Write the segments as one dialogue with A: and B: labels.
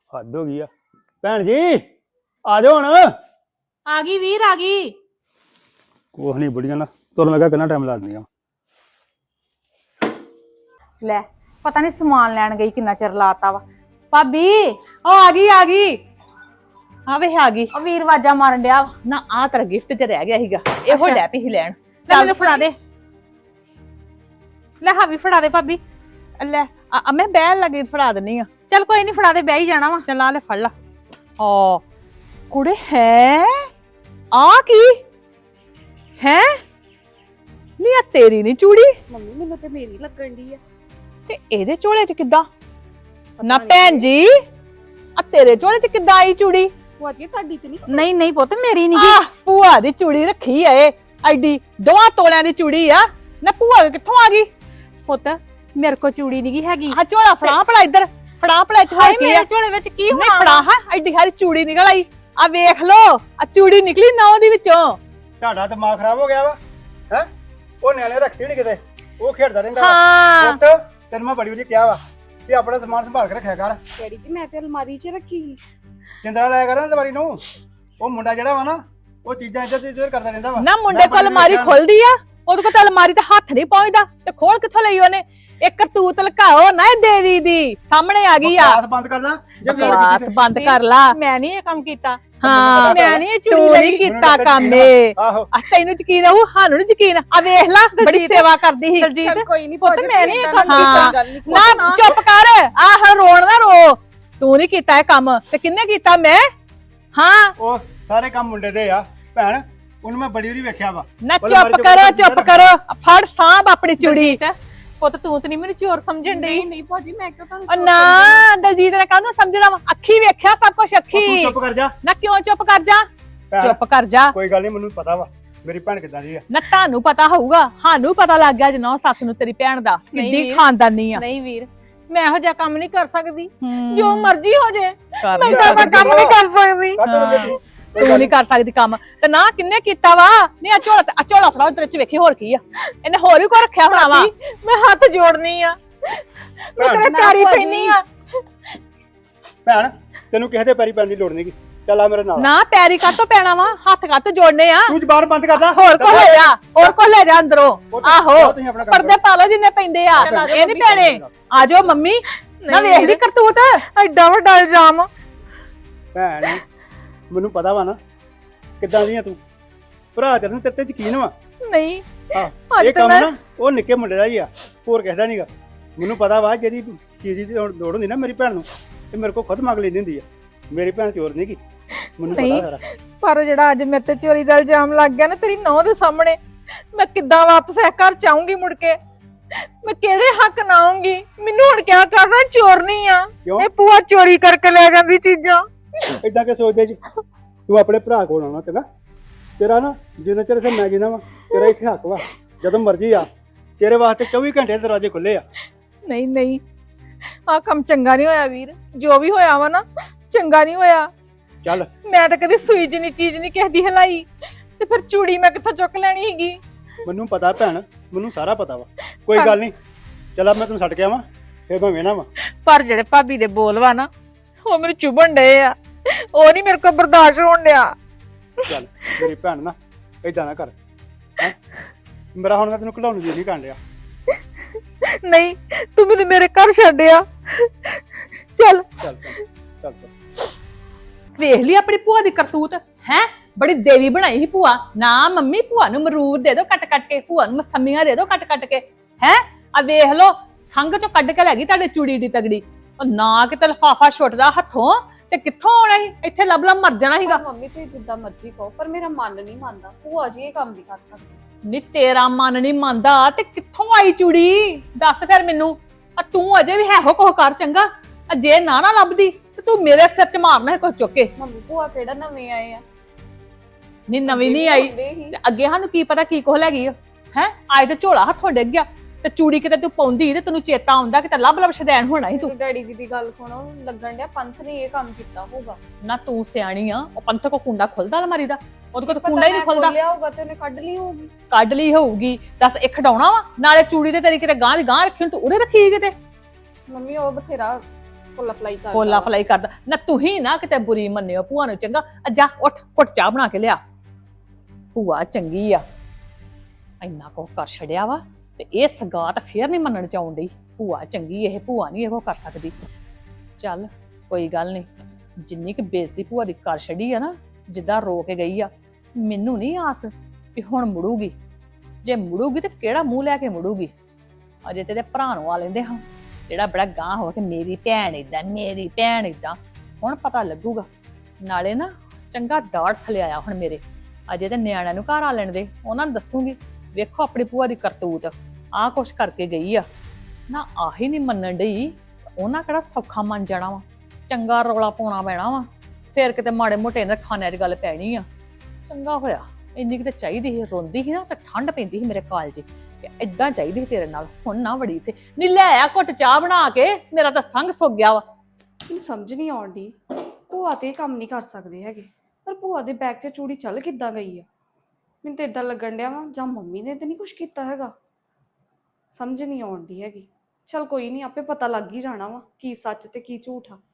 A: ਹੱਦ ਹੋ ਗਈ ਆ। ਭੈਣ ਜੀ ਆ ਜਾਓ ਹੁਣ।
B: ਆ ਗਈ ਵੀਰ ਆ ਗਈ।
A: ਕੁਛ ਨਹੀਂ ਬੁੜੀਆਂ ਨਾ ਤੁਰਨ ਲੱਗਾ ਕਿੰਨਾ ਟਾਈਮ ਲਾ ਦਿੰਦੀਆਂ।
B: ਲੈ ਪਤਾ ਨਹੀਂ ਸਮਾਨ ਲੈਣ ਗਈ ਕਿੰਨਾ ਚਿਰ ਲਾਤਾ ਵਾ। ਭਾਬੀ
C: ਉਹ ਆ ਗਈ ਆ ਵੇ ਆ ਗਈ।
B: ਉਹ ਵੀਰ ਵਾਜਾ ਮਾਰਨ ਡਿਆ ਵਾ।
C: ਨਾ ਆ ਤੇਰਾ ਗਿਫਟ ਤੇ ਰਹਿ ਗਿਆ ਸੀਗਾ ਇਹੋ ਡੈ ਪਈ ਸੀ ਲੈਣ।
B: ਲੈ ਮੈਨੂੰ ਫੜਾ ਦੇ। ਲੈ ਹਾਂ ਵੀ ਫੜਾ ਦੇ ਭਾਬੀ।
C: ਲੈ ਮੈਂ ਬਹਿਣ ਲੱਗੀ ਫੜਾ ਦਿੰਨੀ ਆ।
B: ਚੱਲ ਕੋਈ ਨਹੀਂ ਫੜਾ ਦੇ, ਬਹਿ ਹੀ ਜਾਣਾ ਵਾ।
C: ਚੱਲ ਆ ਲੈ ਫੜ ਲਾ। ਹਾਂ ਕੁੜੇ ਹੈ ਆ ਕੀ ਹੈ ਨੀ ਆ ਤੇਰੀ ਨੀ ਚੂੜੀ
D: ਮੰਮੀ ਮੈਨੂੰ ਤੇ ਮੇਰੀ ਲੱਗਣ ਦੀ ਆ।
C: ਤੇ ਇਹਦੇ ਝੋਲੇ ਚ ਕਿੱਦਾਂ ਨਾ ਭੈਣ ਜੀ ਆ ਤੇਰੇ ਝੋਲੇ ਚ ਕਿੱਦਾਂ ਆਈ ਚੂੜੀ?
D: ਭੂਆ ਜੀ ਤੁਹਾਡੀ ਤੇ ਨਹੀਂ?
B: ਨਹੀਂ ਨਹੀਂ ਪੁੱਤ ਮੇਰੀ ਨਹੀਂ
C: ਆ ਭੂਆ ਦੀ ਚੂੜੀ ਰੱਖੀ ਐ ਐਡੀ 2 ਤੋਲਿਆਂ ਦੀ ਚੂੜੀ ਆ ਨਾ ਭੂਆ ਕਿੱਥੋਂ ਆ ਗਈ?
B: ਪੁੱਤ ਮੇਰੇ ਕੋ ਚੂੜੀ ਨਹੀਂ ਹੈਗੀ।
C: ਆ ਝੋਲਾ ਫੜਾ ਭਲਾ ਇੱਧਰ ਫੜਾ ਭਲਾ ਚ
B: ਹਾਏ
C: ਕੀ ਆ?
B: ਮੇਰੇ ਝੋਲੇ ਵਿੱਚ ਕੀ
C: ਨਹੀਂ
B: ਹੋਣਾ?
C: ਫੜਾ ਹਾਂ ਐਡੀ ਸਾਰੀ ਚੂੜੀ ਨਿਕਲ ਆਈ। ਆ ਵੇਖ ਲੋ ਆ ਚੂੜੀ ਨਿਕਲੀ ਨੌ ਦੀ ਵਿੱਚੋਂ।
A: ਤੁਹਾਡਾ ਦਿਮਾਗ ਖਰਾਬ ਹੋ ਗਿਆ ਵਾ ਹੈ। ਉਹ ਨਿਆਣੇ ਰੱਖੀ ਨਹੀਂ ਕਿਤੇ, ਉਹ ਖੇਡਦਾ ਰਹਿੰਦਾ
C: ਹਾਂ
A: ਪੁੱਤ ਤੈਨੂੰ ਮੈਂ ਬੜੀ ਵਾਰੀ ਕਿਹਾ ਵਾ ਕਿ ਆਪਣਾ ਸਮਾਨ ਸੰਭਾਲ ਕੇ ਰੱਖਿਆ ਕਰ।
D: ਡੈਡੀ ਜੀ ਮੈਂ ਤੇ ਅਲਮਾਰੀ 'ਚ ਰੱਖੀ ਸੀ।
A: ਚਿੰਦਰਾ ਲਾਇਆ ਕਰ ਨਾ ਦਵਾਰੀ ਨੂੰ। ਉਹ ਮੁੰਡਾ ਜਿਹੜਾ ਵਾ ਨਾ ਉਹ ਚੀਜ਼ਾਂ ਇੱਧਰ ਤੇ ਇੱਧਰ ਕਰਦਾ ਰਹਿੰਦਾ ਵਾ।
C: ਨਾ ਮੁੰਡੇ ਕੋਲ ਅਲਮਾਰੀ ਖੁੱਲਦੀ ਆ, ਉਹਦੇ ਕੋਲ ਤਾਂ ਅਲਮਾਰੀ ਤੇ ਹੱਥ ਨਹੀਂ ਪਹੁੰਚਦਾ ਤੇ ਖੋਲ ਕਿੱਥੋਂ ਲਈ ਉਹਨੇ? ਇੱਕ ਕਰਤੂਤ ਲਕਾਓ ਨਾ ਇਹ ਦੇਵੀ ਦੀ ਸਾਹਮਣੇ ਆ ਗਈ ਆ।
A: ਬਕਵਾਸ ਬੰਦ ਕਰ ਲੈ ਜੇ ਗੱਲ
C: ਬਕਵਾਸ
A: ਕੀਤੀ
C: ਬੰਦ ਕਰ ਲਾ।
B: ਮੈਂ ਨਹੀਂ ਇਹ ਕੰਮ ਕੀਤਾ।
C: ਹਾਂ
B: ਮੈਂ ਨਹੀਂ ਇਹ ਚੂੜੀ
C: ਤੂੰ
B: ਲਈ
C: ਨਹੀਂ ਕੀਤਾ ਕੰਮ ਏ।
A: ਆਹੋ
C: ਆ ਤੈਨੂੰ ਯਕੀਨ ਆਉ ਸਾਨੂੰ ਨਹੀਂ ਯਕੀਨ। ਆ ਵੇਖ ਲੈ ਬੜੀ ਸੇਵਾ ਕਰਦੀ ਸੀ।
B: ਦਲਜੀਤ
D: ਚੱਲ ਕੋਈ ਨਹੀਂ
B: ਪੁੱਤ ਮੈਂ ਨਹੀਂ ਇਹ ਕੰਮ
C: ਹਾਂ।
B: ਕੀਤਾ।
C: ਨਾ ਚੁੱਪ ਕਰ ਆਹ ਰੋਣ ਨਾ ਰੋ। ਤੂੰ ਨਹੀਂ ਕੀਤਾ ਇਹ ਕੰਮ ਤੇ ਕਿੰਨੇ ਕੀਤਾ? ਮੈਂ ਹਾਂ
A: ਉਹ ਸਾਰੇ ਕੰਮ ਮੁੰਡੇ ਦੇ ਆ ਭੈਣ। ਉਹਨੂੰ ਮੈਂ ਬੜੀ ਵਾਰੀ ਵੇਖਿਆ ਵਾ।
C: ਨਾ ਚੁੱਪ ਕਰੋ ਚੁੱਪ ਕਰੋ। ਫੜ ਸਾਂਭ ਆਪਣੀ ਚੂੜੀ।
B: ਪੁੱਤ ਤੂੰ ਤੇ ਨਹੀਂ ਮੈਨੂੰ ਚੋਰ ਸਮਝਣ ਡਈ।
D: ਨਹੀਂ ਨਹੀਂ ਭੂਆ ਜੀ ਮੈਂ ਕਿਉਂ ਤੁਹਾਨੂੰ
C: ਉਹ ਨਾ ਦਲਜੀਤ ਨੇ ਕਾਹਨੂੰ ਸਮਝਣਾ ਵਾ? ਅੱਖੀ ਵੇਖਿਆ ਸਭ ਕੁਝ
A: ਤੂੰ
C: ਅੱਖੀ।
A: ਚੁੱਪ ਕਰ ਜਾ
C: ਨਾ ਕਿਉਂ ਚੁੱਪ ਕਰ ਜਾ?
A: ਭੈਣ।
C: ਚੁੱਪ ਕਰ ਜਾ।
A: ਕੋਈ ਗੱਲ ਨਹੀਂ ਮੈਨੂੰ ਪਤਾ ਵਾ ਮੇਰੀ ਭੈਣ ਕਿੱਦਾਂ ਦੀ ਆ।
C: ਨਾ ਤੁਹਾਨੂੰ ਪਤਾ ਹੋਊਗਾ, ਸਾਨੂੰ ਪਤਾ ਲੱਗ ਗਿਆ ਜਨੋ ਸੱਸ ਨੂੰ ਤੇਰੀ ਭੈਣ ਦਾ
B: ਨਹੀਂ
C: ਕਿੱਡੀ
B: ਵੀਰ।
C: ਖਾਨਦਾਨੀ ਆ।
B: ਨਹੀਂ ਵੀਰ ਮੈਂ ਇਹੋ ਜਿਹਾ ਕੰਮ ਨਹੀਂ ਕਰ ਸਕਦੀ।
C: ਹੂੰ।
B: ਜੋ ਮਰਜ਼ੀ ਹੋ ਜੇ
C: ਕਰ
B: ਮੈਂ
C: ਨਹੀਂ
B: ਤਾਂ
C: ਸਕਦੀ।
B: ਕੰਮ ਨਹੀਂ ਕਰ ਸਕਦੀ।
A: ਕਾਹਤੋਂ ਰੋਂਦੀ ਤੂੰ?
C: ਤੂੰ ਨਹੀਂ ਕਰ ਸਕਦੀ ਕੰਮ ਤੇ ਨਾ ਕਿੰਨੇ ਕੀਤਾ ਵਾ? ਨਹੀਂ ਆ ਝੋਲਾ ਫੜਾਓ ਤੇਰੇ ਚ ਵੇਖੀ ਹੋਰ ਕੀ ਆ। ਇਹਨੇ ਹੋਰ ਵੀ ਕੋ ਰੱਖਿਆ ਹੋਣਾ ਵਾ।
B: ਮੈਂ ਹੱਥ ਜੋੜਨੀ ਆ, ਮੈਂ ਤੇਰੇ
D: ਨਾ
B: ਪੈਰੀ
D: ਭਾਜੀ।
B: ਪੈਣੀ ਆ।
A: ਭੈਣ ਤੈਨੂੰ ਕਿਸੇ ਦੇ ਪੈਰੀ ਪੈਣ ਦੀ ਲੋੜ ਨਹੀਂਗੀ। ਚੱਲ ਆ ਮੇਰੇ ਨਾਲ।
C: ਨਾ ਪੈਰੀ ਕਾਤੋਂ ਪੈਣਾ ਵਾ? ਹੱਥ ਕਾਤੋਂ ਜੋੜਨੇ ਆ?
A: ਤੂੰ ਜ਼ਬਾਨ ਬੰਦ ਕਰ ਲੈ।
C: ਹੋਰ ਕੋ ਲੈ ਜਾ, ਹੋਰ ਕੋ ਲੈ ਜਾ ਅੰਦਰੋਂ। ਆਹੋ
A: ਤੁਸੀਂ ਆਪਣਾ ਕੰਮ
C: ਪਰਦੇ ਪਾ ਲਓ ਜਿੰਨੇ ਪੈਂਦੇ ਆ। ਇਹ ਨਹੀਂ ਪੈਣੇ। ਆ ਜਾਓ ਮੰਮੀ ਨਾ ਵੇਖ ਲਈ ਕਰਤੂਤ।
B: ਐਡਾ ਵੱਡਾ ਇਲਜ਼ਾਮ।
A: ਭੈਣ ਮੈਨੂੰ ਪਤਾ ਵਾ ਨਾ ਕਿੱਦਾਂ ਦੀ ਆ ਤੂੰ। ਭਰਾ ਤੇਰੇ ਨੂੰ ਤੇਰੇ ਤੇ ਯਕੀਨ ਵਾ।
B: ਨਹੀਂ
A: ਹਾਂ
B: ਅੱਜ
A: ਇਹ
B: ਤਾਂ
A: ਕੰਮ
B: ਮੈਂ-
A: ਨਾ ਉਹ ਨਿੱਕੇ ਮੁੰਡੇ ਦਾ ਹੀ ਆ, ਹੋਰ ਕਿਸੇ ਦਾ ਨਹੀਂਗਾ। ਮੈਨੂੰ ਪਤਾ ਵਾ ਜਿਹੜੀ ਚੀਜ਼ ਦੀ ਲੋੜ ਹੁੰਦੀ ਨਾ ਮੇਰੀ ਭੈਣ ਨੂੰ ਤੇ ਮੇਰੇ ਕੋਲ ਖੁਦ ਮੰਗ ਲੈਂਦੀ ਹੁੰਦੀ ਆ। ਮੇਰੀ ਭੈਣ ਚੋਰ ਨਹੀਂ ਗੀ, ਮੈਨੂੰ
B: ਨਹੀਂ।
A: ਪਤਾ ਸਾਰਾ।
B: ਪਰ ਜਿਹੜਾ ਅੱਜ ਮੇਰੇ ਤੇ ਚੋਰੀ ਦਾ ਇਲਜ਼ਾਮ ਲੱਗ ਗਿਆ ਨਾ ਤੇਰੀ ਨੌਂ ਦੇ ਸਾਹਮਣੇ, ਮੈਂ ਕਿੱਦਾਂ ਵਾਪਸ ਇਹ ਘਰ ਚਾਹੂੰਗੀ ਮੁੜ ਕੇ? ਮੈਂ ਕਿਹੜੇ ਹੱਕ ਨਾਲ ਆਉਂਗੀ? ਮੈਨੂੰ ਹੁਣ ਕਿਆ ਕਰਨਾ? ਚੋਰ ਨਹੀਂ ਆ
A: ਕਿਉਂ?
B: ਇਹ ਭੂਆ ਚੋਰੀ ਕਰਕੇ ਲੈ ਜਾਂਦੀ ਚੀਜ਼ਾਂ।
A: ਏਦਾਂ ਕਿ ਸੋਚਦੇ ਜੀ ਤੂੰ ਆਪਣੇ ਭਰਾ ਕੋਲ ਆਉਣਾ ਚੰਗਾ। ਤੇਰਾ ਨਾ ਜਿੰਨਾ ਚਿਰ ਇੱਥੇ ਮੈਂ ਜਿੰਨਾ ਵਾ ਤੇਰਾ ਇੱਥੇ ਹੱਕ ਵਾ। ਜਦੋਂ ਮਰਜ਼ੀ ਆ ਤੇਰੇ ਵਾਸਤੇ 24 ਘੰਟੇ ਦਰਵਾਜ਼ੇ ਖੁੱਲੇ ਆ।
B: ਨਹੀਂ ਨਹੀਂ ਆਹ ਕੰਮ ਚੰਗਾ ਨਹੀਂ ਹੋਇਆ ਵੀਰ। ਜੋ ਵੀ ਹੋਇਆ ਵਾ ਨਾ ਚੰਗਾ ਨਹੀਂ ਹੋਇਆ।
A: ਚੱਲ
B: ਮੈਂ ਤਾਂ ਕਦੇ ਸੂਈ ਜਿੰਨੀ ਚੀਜ਼ ਨਹੀਂ ਕਿਸੇ ਦੀ ਹਲਾਈ ਤੇ ਫਿਰ ਚੂੜੀ ਮੈਂ ਕਿੱਥੋਂ ਚੁੱਕ ਲੈਣੀ ਹੈਗੀ?
A: ਮੈਨੂੰ ਪਤਾ ਭੈਣ, ਮੈਨੂੰ ਸਾਰਾ ਪਤਾ ਵਾ। ਕੋਈ ਗੱਲ ਨਹੀਂ ਚੱਲ ਆ ਮੈਂ ਤੈਨੂੰ ਛੱਡ ਕੇ ਆਵਾਂ ਫੇਰ ਮੈਂ ਵੇਣਾ ਵਾ।
B: ਪਰ ਜਿਹੜੇ ਭਾਬੀ ਦੇ ਬੋਲ ਵਾ ਨਾ ਉਹ ਮੈਨੂੰ ਚੁਭਣ ਡਏ ਆ। ਉਹ ਨਹੀਂ ਮੇਰੇ ਕੋਲ ਬਰਦਾਸ਼ਤ ਹੋਣ ਡਿਆ।
A: ਚੱਲ ਮੇਰੀ ਭੈਣ ਨਾ ਏਦਾਂ ਨਾ ਕਰ ਹੈਂ। ਮੇਰਾ ਹੁਣ ਮੈਂ ਤੈਨੂੰ ਘਲਾਉਣ ਦੀ ਨਹੀਂ ਕਾਂਡਿਆ।
B: ਨਹੀਂ ਤੂੰ ਮੈਨੂੰ ਮੇਰੇ ਘਰ ਛੱਡਿਆ। ਚੱਲ
A: ਚੱਲ ਚੱਲ ਚੱਲ ਚੱਲ।
C: ਵੇਖ ਲਈ ਆਪਣੀ ਭੂਆ ਦੀ ਕਰਤੂਤ ਹੈ। ਬੜੀ ਦੇਵੀ ਬਣਾਈ ਸੀ ਭੂਆ। ਨਾ ਮੰਮੀ ਭੂਆ ਨੂੰ ਮਰੂਦ ਦੇ ਦਿਓ ਕੱਟ ਕੱਟ ਕੇ, ਭੂਆ ਨੂੰ ਮਸਮੀਆਂ ਦੇ ਦਿਓ ਕੱਟ ਕੱਟ ਕੇ। ਹੈ ਆ ਵੇਖ ਲੋ ਸੰਗ ਚੋਂ ਕੱਢ ਕੇ ਲੈ ਗਈ ਤੁਹਾਡੇ ਚੂੜੀ ਦੀ ਤਗੜੀ। ਉਹ ਨਾ ਕਿਤੇ ਲਫਾਫਾ ਛੁੱਟਦਾ ਹੱਥੋਂ ਤੇ ਕਿੱਥੋਂ ਆਉਣਾ ਸੀ? ਇੱਥੇ ਲੱਭ ਲੱਭ ਮਰ ਜਾਣਾ ਸੀਗਾ।
D: ਮੰਮੀ ਤੇ ਜਿੱਦਾਂ ਮਰਜ਼ੀ ਕਹੋ ਪਰ ਮੇਰਾ ਮਨ ਨਹੀਂ ਮੰਨਦਾ। ਭੂਆ ਜੀ ਇਹ ਕੰਮ ਨਹੀਂ ਕਰ ਸਕਦੀ।
C: ਨੀ ਤੇਰਾ ਮਨ ਨਹੀਂ ਮੰਨਦਾ ਤੇ ਕਿੱਥੋਂ ਆਈ ਚੂੜੀ? ਦੱਸ ਫਿਰ ਮੈਨੂੰ। ਆ ਤੂੰ ਅਜੇ ਵੀ ਹੈ ਹੋ ਕੁਛ ਕਰ ਚੰਗਾ। ਆ ਜੇ ਨਾ ਲੱਭਦੀ ਤੇ ਤੂੰ ਮੇਰੇ ਸਿਰ 'ਚ ਮਾਰਨਾ ਕੁਛ ਚੁੱਕ ਕੇ।
D: ਮੰਮੀ ਭੂਆ ਕਿਹੜਾ ਨਵੇਂ ਆਏ ਆ?
C: ਨੀ ਨਵੀਂ ਨਹੀਂ ਆਈ
D: ਹੁੰਦੇ ਹੀ।
C: ਤੇ ਅੱਗੇ ਸਾਨੂੰ ਕੀ ਪਤਾ ਕੀ ਕੁਛ ਲੈ ਗਈ ਹੈ। ਅੱਜ ਤੇ ਝੋਲਾ ਹੱਥੋਂ ਡਿੱਗ ਗਿਆ ਤੇ ਚੂੜੀ ਕਿਤੇ ਤੂੰ ਪਾਉਂਦੀ ਤੇ ਤੈਨੂੰ ਚੇਤਾ ਆਉਂਦਾ ਕਿਤੇ ਲੱਭ ਲੱਭ ਸ਼ਦੈਣ ਹੋਣਾ ਸੀ ਤੂੰ।
D: ਮੈਨੂੰ ਡੈਡੀ ਜੀ ਦੀ ਗੱਲ ਸੁਣੋ ਲੱਗਣ ਡਿਆ ਪੰਥ ਨੇ ਇਹ ਕੰਮ ਕੀਤਾ ਹੋਊਗਾ।
C: ਨਾ ਤੂੰ ਸਿਆਣੀ ਆ। ਉਹ ਪੰਥ ਕੋ ਕੁੰਡਾ ਖੁੱਲਦਾ ਅਲਮਾਰੀ ਦਾ? ਉਹਦੇ ਕੋਲ ਤਾਂ ਕੁੰਡਾ ਹੀ ਨਹੀਂ ਖੁੱਲਦਾ।
D: ਲਿਆ ਹੋਊਗਾ ਤੇ ਉਹਨੇ ਕੱਢ ਲਈ ਹੋਊਗੀ।
C: ਕੱਢ ਲਈ ਹੋਊਗੀ। ਦੱਸ ਇਹ ਖਡਾਉਣਾ ਵਾ ਨਾਲੇ ਚੂੜੀ ਤੇ ਤੇਰੀ ਕਿਤੇ ਗਾਂ ਦੀ ਗਾਂ ਰੱਖੀ ਹੁਣ ਤੂੰ ਉਰੇ ਰੱਖੀ ਕਿਤੇ।
D: ਮੰਮੀ ਉਹ ਬਥੇਰਾ ਫੁੱਲਾ ਫਲਾਈ ਕਰਦਾ
C: ਫੋਲਾ
D: ਵਾ।
C: ਫਲਾਈ ਕਰਦਾ ਨਾ, ਤੁਸੀਂ ਨਾ ਕਿਤੇ ਬੁਰੀ ਮੰਨਿਓ ਭੂਆ ਨੂੰ, ਚੰਗਾ ਜਾ ਉੱਠ ਘੁੱਟ ਚਾਹ ਬਣਾ ਕੇ ਲਿਆ। ਭੂਆ ਚੰਗੀ ਆ, ਇੰਨਾ ਕੁ ਕਰ ਛੜਿਆ ਵਾ ਤੇ ਇਹ ਸਗਾਤ ਫੇਰ ਨਹੀਂ ਮੰਨਣ ਚ ਆਉਣ ਡਈ। ਭੂਆ ਚੰਗੀ, ਇਹ ਭੂਆ ਨਹੀਂ ਇਹੋ ਕਰ ਸਕਦੀ। ਚੱਲ ਕੋਈ ਗੱਲ ਨਹੀਂ, ਜਿੰਨੀ ਕੁ ਬੇਇੱਜ਼ਤੀ ਭੂਆ ਦੀ ਕਰ ਛੜੀ ਆ ਨਾ, ਜਿੱਦਾਂ ਰੋ ਕੇ ਗਈ ਆ, ਮੈਨੂੰ ਨਹੀਂ ਆਸ ਵੀ ਹੁਣ ਮੁੜੂਗੀ। ਜੇ ਮੁੜੂਗੀ ਤੇ ਕਿਹੜਾ ਮੂੰਹ ਲੈ ਕੇ ਮੁੜੂਗੀ। ਅਜੇ ਤੇ ਭਰਾ ਨੂੰ ਆ ਲੈਂਦੇ ਹਾਂ, ਜਿਹੜਾ ਬੜਾ ਗਾਂ ਹੋ ਕੇ ਮੇਰੀ ਭੈਣ ਏਦਾਂ, ਮੇਰੀ ਭੈਣ ਏਦਾਂ। ਹੁਣ ਪਤਾ ਲੱਗੂਗਾ। ਨਾਲੇ ਨਾ ਚੰਗਾ ਦਾੜ ਥਲੇ ਆਇਆ ਹੁਣ ਮੇਰੇ। ਅਜੇ ਤੇ ਨਿਆਣਿਆਂ ਨੂੰ ਘਰ ਆ ਲੈਣ ਦੇ, ਉਹਨਾਂ ਨੂੰ ਦੱਸੂਗੀ ਵੇਖੋ ਆਪਣੀ ਭੂਆ ਦੀ ਕਰਤੂਤ, ਆਹ ਕੁਛ ਕਰਕੇ ਗਈ ਆ। ਨਾ ਆਹੀ ਨਹੀਂ ਮੰਨਣ ਡਈ, ਉਹਨਾਂ ਕਿਹੜਾ ਸੌਖਾ ਮੰਨ ਜਾਣਾ ਵਾ। ਚੰਗਾ ਰੌਲਾ ਪਾਉਣਾ ਪੈਣਾ ਵਾ, ਫੇਰ ਕਿਤੇ ਮਾੜੇ ਮੋਟੇ ਇਹਨਾਂ ਖਾਨਿਆਂ 'ਚ ਗੱਲ ਪੈਣੀ ਆ। ਚੰਗਾ ਹੋਇਆ, ਇੰਨੀ ਕਿਤੇ ਚਾਹੀਦੀ ਸੀ, ਰੋਂਦੀ ਸੀ ਨਾ ਤੇ ਠੰਡ ਪੈਂਦੀ ਸੀ ਮੇਰੇ ਕਾਲਜੇ, ਤੇ ਏਦਾਂ ਚਾਹੀਦੀ ਸੀ ਤੇਰੇ ਨਾਲ। ਹੁਣ ਨਾ ਵੜੀ ਤੇ ਨੀ ਲੈ ਆ ਘੁੱਟ ਚਾਹ ਬਣਾ ਕੇ, ਮੇਰਾ ਤਾਂ ਸੰਗ ਸੁੱਕ ਗਿਆ ਵਾ।
D: ਮੈਨੂੰ ਸਮਝ ਨਹੀਂ ਆਉਂਦੀ, ਭੂਆ ਤੇ ਇਹ ਕੰਮ ਨਹੀਂ ਕਰ ਸਕਦੇ ਹੈਗੇ, ਪਰ ਭੂਆ ਦੇ ਬੈਗ 'ਚ ਚੂੜੀ ਚੱਲ ਕਿੱਦਾਂ ਗਈ ਆ? ਮੈਨੂੰ ਤਾਂ ਇਦਾਂ ਲੱਗਣ ਡਿਆ ਵਾ ਜਾਂ ਮੰਮੀ ਨੇ ਤੇ ਨਹੀਂ ਕੁਝ ਕੀਤਾ ਹੈਗਾ, ਸਮਝ ਨਹੀਂ ਆਉਂਦੀ ਹੈਗੀ। ਚਲ ਕੋਈ ਨਹੀਂ, ਆਪੇ ਪਤਾ ਲੱਗ ਹੀ ਜਾਣਾ ਵਾ ਕੀ ਸੱਚ ਤੇ ਕੀ ਝੂਠ ਆ।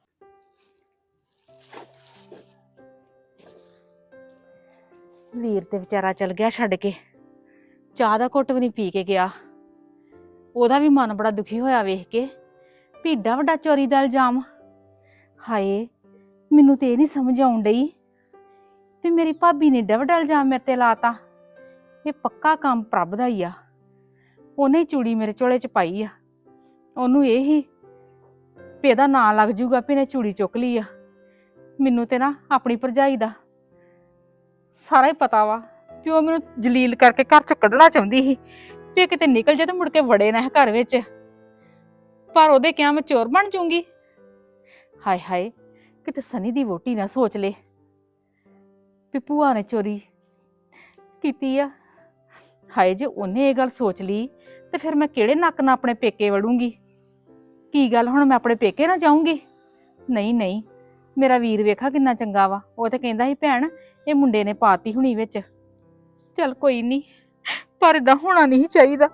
E: ਵੀਰ ਤੇ ਵਿਚਾਰਾ ਚਲ ਗਿਆ ਛੱਡ ਕੇ, ਚਾਹ ਦਾ ਘੁੱਟ ਵੀ ਨਹੀਂ ਪੀ ਕੇ ਗਿਆ। ਉਹਦਾ ਵੀ ਮਨ ਬੜਾ ਦੁਖੀ ਹੋਇਆ ਵੇਖ ਕੇ ਵੀ ਏਡਾ ਵੱਡਾ ਚੋਰੀ ਦਾ ਇਲਜ਼ਾਮ। ਹਾਏ, ਮੈਨੂੰ ਤੇ ਇਹ ਨਹੀਂ ਸਮਝ ਆਉਣ ਡਈ ਵੀ ਮੇਰੀ ਭਾਬੀ ਨੇ ਏਡਾ ਵੱਡਾ ਇਲਜ਼ਾਮ ਮੇਰੇ ਤੇ ਲਾਤਾ। ਇਹ ਪੱਕਾ ਕੰਮ ਪ੍ਰਭ ਦਾ ਹੀ ਆ। ਉਹਨੇ ਹੀ ਚੂੜੀ ਮੇਰੇ ਝੋਲੇ 'ਚ ਪਾਈ ਆ। ਉਹਨੂੰ ਇਹ ਹੀ ਵੀ ਇਹਦਾ ਨਾਂ ਲੱਗ ਜੂਗਾ ਵੀ ਇਹਨੇ ਚੂੜੀ ਚੁੱਕ ਲਈ ਆ। ਮੈਨੂੰ ਤੇ ਨਾ ਆਪਣੀ ਭਰਜਾਈ ਦਾ ਸਾਰਾ ਹੀ ਪਤਾ ਵਾ ਕਿ ਉਹ ਮੈਨੂੰ ਜਲੀਲ ਕਰਕੇ ਘਰ ਚੋਂ ਕੱਢਣਾ ਚਾਹੁੰਦੀ ਸੀ ਵੀ ਕਿਤੇ ਨਿਕਲ ਜਾ ਤੇ ਮੁੜ ਕੇ ਵੜੇ ਨਾ ਘਰ ਵਿੱਚ। ਪਰ ਉਹਦੇ ਕਿਹਾ ਮੈਂ ਚੋਰ ਬਣ ਜਾਊਂਗੀ। ਹਾਏ ਹਾਏ, ਕਿਤੇ ਸਨੀ ਦੀ ਵੋਟੀ ਨਾ ਸੋਚ ਲੇ ਵੀ ਭੂਆ ਨੇ ਚੋਰੀ ਕੀਤੀ ਆ। ਹਾਏ, ਜੇ ਉਹਨੇ ਇਹ ਗੱਲ ਸੋਚ ਲਈ ਤੇ ਫਿਰ ਮੈਂ ਕਿਹੜੇ ਨੱਕ ਨਾਲ ਆਪਣੇ ਪੇਕੇ ਵੜੂੰਗੀ? ਕੀ ਗੱਲ ਹੁਣ ਮੈਂ ਆਪਣੇ ਪੇਕੇ ਨਾ ਜਾਊਂਗੀ? ਨਹੀਂ ਨਹੀਂ, ਮੇਰਾ ਵੀਰ ਵੇਖਾ ਕਿੰਨਾ ਚੰਗਾ ਵਾ। ਉਹ ਤੇ ਕਹਿੰਦਾ ਸੀ ਭੈਣ ਇਹ ਮੁੰਡੇ ਨੇ ਪਾਤੀ ਹੁਣੀ ਵਿੱਚ। ਚੱਲ ਕੋਈ ਨਹੀਂ, ਪਰ ਏਦਾਂ ਹੋਣਾ ਨਹੀਂ ਚਾਹੀਦਾ।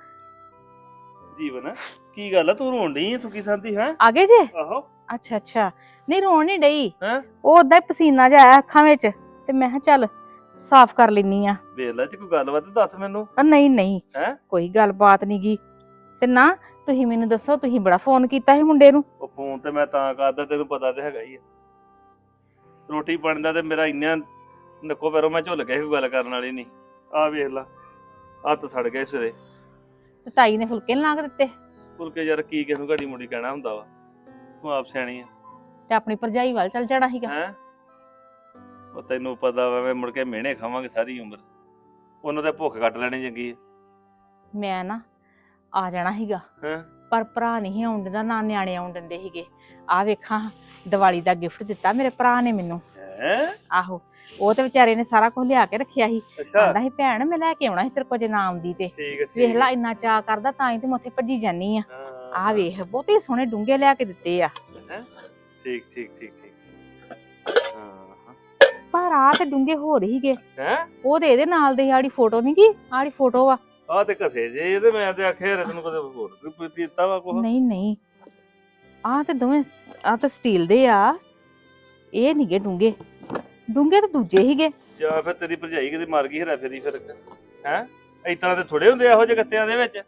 F: ਜੀਵਨ ਕੀ ਗੱਲ ਆ, ਤੂੰ ਰੋਣ ਡਈ ਆ? ਤੂੰ ਕੀ ਸੰਦੀ ਹੈ?
E: ਆ ਗਏ ਜੇ?
F: ਆਹੋ।
E: ਅੱਛਾ ਅੱਛਾ, ਨਹੀਂ ਰੋਣ ਨਹੀਂ ਡਈ।
F: ਹੈਂ?
E: ਉਹ ਓਦਾਂ ਹੀ ਪਸੀਨਾ ਜਿਹਾ ਆਇਆ ਅੱਖਾਂ ਵਿੱਚ ਤੇ ਮੈਂ ਕਿਹਾ ਚੱਲ ਸਾਫ਼ ਕਰ ਲੈਨੀ ਆ।
F: ਵੇਖ ਲੈ, ਜੇ ਕੋਈ ਗੱਲਬਾਤ ਦੱਸ ਮੈਨੂੰ।
E: ਨਹੀਂ ਨਹੀਂ,
F: ਹੈਂ?
E: ਕੋਈ ਗੱਲਬਾਤ ਨੀ ਗੀ। ਤੇ ਨਾ ਤੁਸੀਂ ਮੈਨੂੰ ਦੱਸੋ, ਤੁਸੀਂ ਬੜਾ ਫੋਨ ਕੀਤਾ ਸੀ ਮੁੰਡੇ ਨੂੰ।
F: ਉਹ ਫੋਨ ਤੇ ਮੈਂ ਤਾਂ ਕਰਦਾ, ਤੈਨੂੰ ਪਤਾ ਤੇ ਹੈਗਾ ਹੀ ਆ। ਰੋਟੀ ਪਾਣੀ ਦਾ ਤੇ ਮੇਰਾ ਇੰਨਾ ਨੱਕੋ ਪੈਰੋਂ ਮੈਂ ਝੁੱਲ ਗਿਆ, ਕੋਈ ਗੱਲ ਕਰਨ ਵਾਲੀ ਨਹੀਂ। ਆਹ ਵੇਖ ਲਾ, ਹੱਥ ਸੜ ਗਏ ਸਿਰੇ।
E: ਤੇ ਤਾਈ ਨੇ ਫੁਲਕੇ ਨੀ ਲਾ ਕੇ ਦਿੱਤੇ?
F: ਫੁਲਕੇ ਯਾਰ ਕੀ ਕਿਸੇ ਨੂੰ ਘੜੀ ਮੁੜੀ ਕਹਿਣਾ ਹੁੰਦਾ ਵਾ, ਤੂੰ ਆਪ ਸਿਆਣੀ ਆ।
E: ਤੇ ਆਪਣੀ ਭਰਜਾਈ ਵੱਲ ਚੱਲ ਜਾਣਾ ਸੀਗਾ।
F: ਹੈਂ? ਉਹ ਤੈਨੂੰ ਪਤਾ ਵਾ, ਮੈਂ ਮੁੜ ਕੇ ਮਿਹਣੇ ਖਾਵਾਂਗੇ ਸਾਰੀ ਉਮਰ। ਉਹਨਾਂ ਤੇ ਭੁੱਖ ਕੱਟ ਲੈਣੀ ਚੰਗੀ ਆ।
E: ਮੈਂ ਨਾ ਆ ਜਾਣਾ ਸੀਗਾ,
F: ਹੈਂ?
E: ਪਰ ਭਰਾ ਨਹੀਂ ਆਉਣ ਦਿੰਦਾ, ਨਾ ਨਿਆਣੇ ਆਉਣ ਦਿੰਦੇ ਸੀਗੇ। ਆ ਵੇਖਾਂ, ਦੀਵਾਲੀ ਦਾ ਗਿਫਟ ਦਿੱਤਾ ਮੇਰੇ ਭਰਾ ਨੇ ਮੈਨੂੰ।
F: ਹੈਂ?
E: ਆਹੋ, ਉਹ ਤੇ ਵਿਚਾਰੇ ਨੇ ਸਾਰਾ ਕੁਝ ਲਿਆ ਕੇ ਰੱਖਿਆ ਸੀ।
F: ਅੱਛਾ,
E: ਕਹਿੰਦਾ ਸੀ ਭੈਣ ਮੈਂ ਲੈ ਕੇ ਆਉਣਾ ਸੀ ਤੇਰੇ ਕੋਲ ਜੇ ਨਾ ਆਉਂਦੀ ਤੇ।
F: ਠੀਕ ਹੈ।
E: ਵੇਖ ਲਾ, ਇੰਨਾ ਚਾਅ ਕਰਦਾ ਤਾਂ ਹੀ ਤੇ ਮੈਂ ਉੱਥੇ ਭੱਜੀ ਜਾਨੀ ਆ। ਆ ਵੇਖ, ਬਹੁਤੇ ਸੋਹਣੇ ਡੂੰਘੇ ਲਿਆ ਕੇ ਦਿੱਤੇ ਆ।
F: ਠੀਕ ਠੀਕ ਠੀਕ ਠੀਕ। ਹਾਂ।
E: ਪਰ ਆ ਤੇ ਡੂੰਘੇ ਹੋ ਰਹੀ ਹੀਗੇ।
F: ਹੈਂ?
E: ਉਹ ਤੇ ਇਹਦੇ ਨਾਲ ਦੀ ਆੜੀ ਫੋਟੋ ਨੀ ਗੀ, ਆੜੀ ਫੋਟੋ ਆ।
F: ਆਹ ਤੇ ਘਸੇ ਜੇ ਇਹਦੇ, ਮੈਂ ਤੇ ਆਖਿਆ ਤੈਨੂੰ ਕਦੇ ਹੋਰ ਕੋਈ ਦਿੱਤਾ ਵਾ ਕੁਛ?
E: ਨਹੀਂ ਨਹੀਂ, ਆ ਤੇ ਦੋਵੇਂ ਆ ਤਾਂ ਸਟੀਲ ਦੇ ਆ, ਇਹ ਨੀਗੇ ਡੂੰਘੇ। ਡੂੰਘੇ ਤਾਂ ਦੂਜੇ ਹੀਗੇ।
F: ਜਾਂ ਫਿਰ ਤੇਰੀ ਭਰਜਾਈ ਕਿਤੇ ਮਰ ਗਈ ਹਰਾ ਫੇਰੀ ਫਿਰ। ਹੈਂ? ਇਤਨਾ ਤੇ ਥੋੜੇ ਹੁੰਦੇ ਇਹੋ ਜਿਹੇ ਗੱਤਿਆਂ ਦੇ ਵਿੱਚ।